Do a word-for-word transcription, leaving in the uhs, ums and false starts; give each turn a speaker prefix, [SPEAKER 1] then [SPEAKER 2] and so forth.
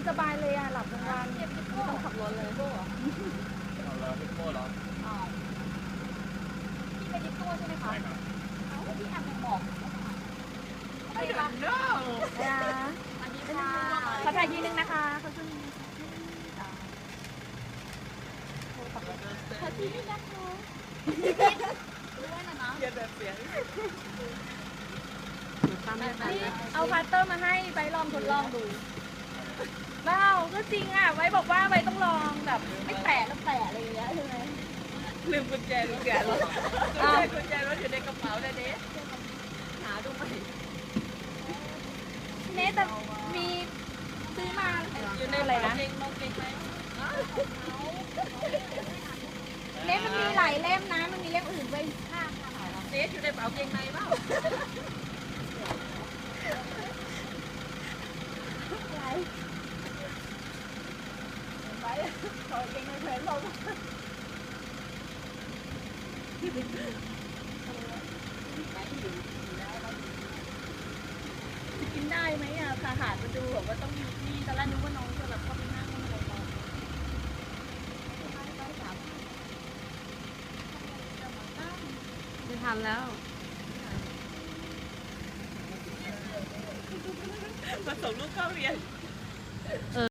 [SPEAKER 1] สบายเลยอ่ะหลับกลางวันไม่ต้องขับรถเลยโบ้เหรอ
[SPEAKER 2] เอาเหรอพี่โก้เหรอ
[SPEAKER 1] อ๋อพี่ไปดิปโก้ใช่ไหมคะ
[SPEAKER 2] ใช่ครับ
[SPEAKER 1] เอ้าพี่แอมยังบอกไม่ได้รับ
[SPEAKER 2] no
[SPEAKER 1] นะสวัสดีค่ะขอถ่ายทีนึงนะคะเขาจะมีขอทีนึงนะคะด้วยนะนะ
[SPEAKER 2] เย็นแบบเสียง
[SPEAKER 1] นี่เอาพาสเตอร์มาให้ไบลองทดลองดูเปล่าก็จริงอ่ะไว้บอกว่าไว้ต้องลองแบบไม่แตะแล้วแตะอะไรอย่างเงี้ยใช่ไหม
[SPEAKER 2] ลืมกุญแจกุญแจรถกุญแจรถอยู่ในกระเป๋าเลยเด้หาดูไหม
[SPEAKER 1] เนสแต่มีซื้อมา
[SPEAKER 2] อยู่ใน
[SPEAKER 1] อะไรนะ
[SPEAKER 2] เกงนกเกงไหม
[SPEAKER 1] เนสมันมีหลายเล่มนะมันมีเล่มอื่นด้วยค่ะ
[SPEAKER 2] เจ๊อยู่ในเป๋าเกงในเปล่า
[SPEAKER 1] อะไรไปขอเก่งในเพลนลงกินได้ไหมอ่ะทหารมาดูบอกว่าต้องมีที่ตอนแรกนึกว่าน้องจะแบบเข้าไปนั่งอะไรต่อไม่ทันแล้ว
[SPEAKER 2] มาส่งลูกเข้าเรียน